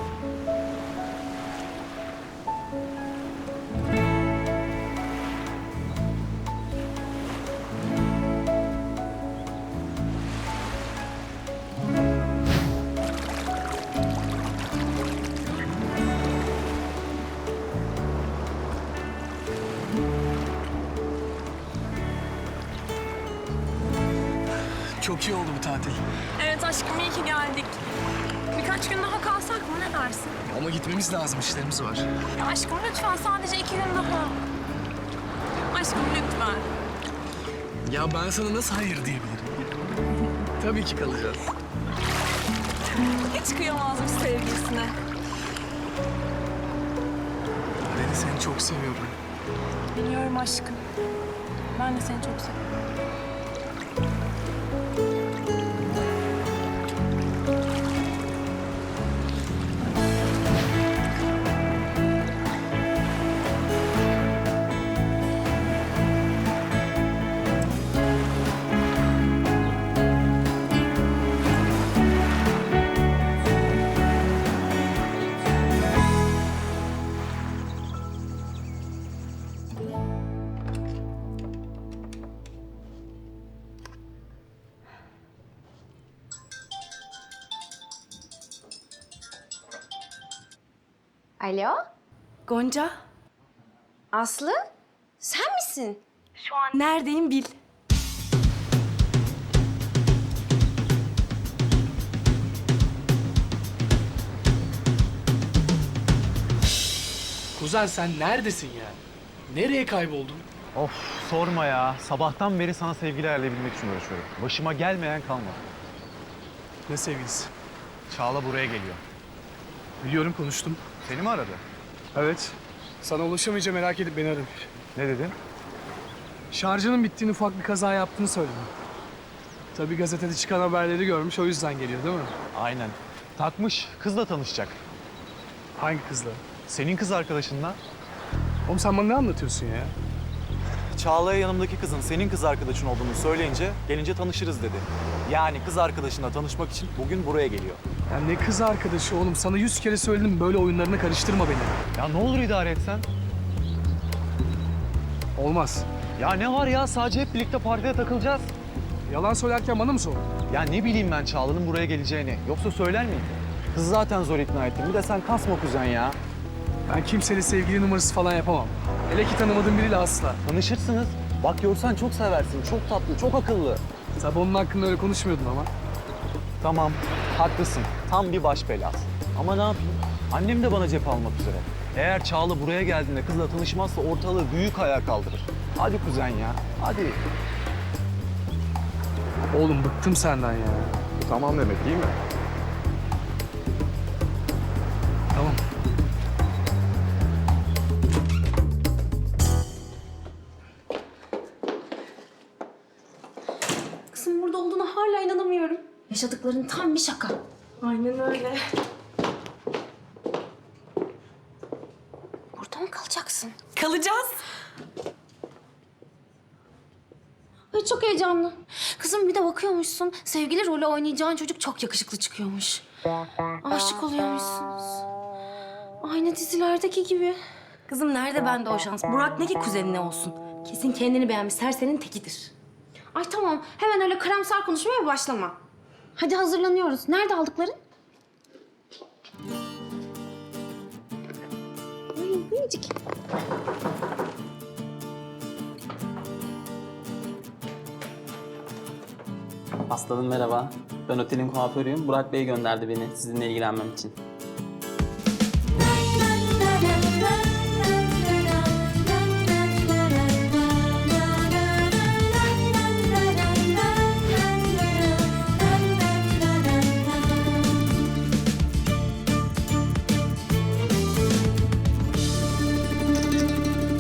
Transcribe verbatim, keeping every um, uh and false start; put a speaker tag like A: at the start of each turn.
A: Çok iyi oldu bu tatil.
B: Evet aşkım, iyi ki geldik. Birkaç gün daha kalsak mı, ne dersin?
A: Ama gitmemiz lazım, işlerimiz var.
B: Ya aşkım lütfen, sadece iki gün daha. Aşkım lütfen.
A: Ya ben sana nasıl hayır diyebilirim? Tabii ki kalacağız.
B: Hiç kıyamazmış sevgilisine.
A: Beni seni çok seviyorum.
B: Biliyorum aşkım. Ben de seni çok seviyorum.
C: Alo,
D: Gonca,
C: Aslı? Sen misin?
D: neredeyim bil.
A: Kuzen sen neredesin yani? Nereye kayboldun?
E: Of sorma ya. Sabahtan beri sana sevgili ayarlayabilmek için uğraşıyorum. Başıma gelmeyen kalmadı.
A: Ne sevgilisi?
E: Çağla buraya geliyor.
A: Biliyorum, konuştum.
E: Seni mi aradı?
A: Evet. Sana ulaşamayınca merak edip beni aramış.
E: Ne dedin?
A: Şarjının bittiğini, ufak bir kaza yaptığını söyledim. Tabii gazetede çıkan haberleri görmüş, o yüzden geliyor değil mi?
E: Aynen. Takmış. Kızla tanışacak.
A: Hangi kızla?
E: Senin kız arkadaşınla.
A: Oğlum sen bana ne anlatıyorsun ya?
E: Çağla'ya yanımdaki kızın senin kız arkadaşın olduğunu söyleyince gelince tanışırız dedi. Yani kız arkadaşınla tanışmak için bugün buraya geliyor.
A: Ya ne kız arkadaşı oğlum? Sana yüz kere söyledim, böyle oyunlarına karıştırma beni.
E: Ya ne olur idare etsen.
A: Olmaz.
E: Ya ne var ya, sadece hep birlikte partide takılacağız.
A: Yalan söylerken bana mı sordun?
E: Ya ne bileyim ben Çağla'nın buraya geleceğini. Yoksa söyler miyim? Kız zaten zor ikna ettim. Bir de sen kasma kuzen ya.
A: Ben kimseyle sevgili numarası falan yapamam. Hele ki tanımadığım biriyle asla.
E: Tanışırsınız. Bak görsen çok seversin. Çok tatlı, çok akıllı.
A: Tabii onun hakkında öyle konuşmuyordun ama.
E: Tamam, haklısın. Tam bir baş belası. Ama ne yapayım? Annem de bana cephe almak üzere. Eğer Çağla buraya geldiğinde kızla tanışmazsa ortalığı büyük ayağa kaldırır. Hadi kuzen ya, hadi.
A: Oğlum bıktım senden ya.
E: Tamam demek değil mi?
A: Tamam.
C: Kızım burada olduğuna hala inanamıyorum. Yaşadıkların tam bir şaka.
B: Aynen öyle.
C: Burada mı kalacaksın?
D: Kalacağız.
C: Ay çok heyecanlı. Kızım bir de bakıyormuşsun, sevgili rolü oynayacağın çocuk çok yakışıklı çıkıyormuş. Aşık oluyormuşsunuz. Aynı dizilerdeki gibi.
D: Kızım nerede bende o şans? Burak ne ki kuzenine olsun? Kesin kendini beğenmiş, serserinin tekidir.
C: Ay tamam, hemen öyle karamsar konuşmaya başlama. Hadi hazırlanıyoruz. Nerede aldıkların? Ay minicik.
F: Aslanım merhaba. Ben otelin kuaförüyüm. Burak Bey gönderdi beni sizinle ilgilenmem için.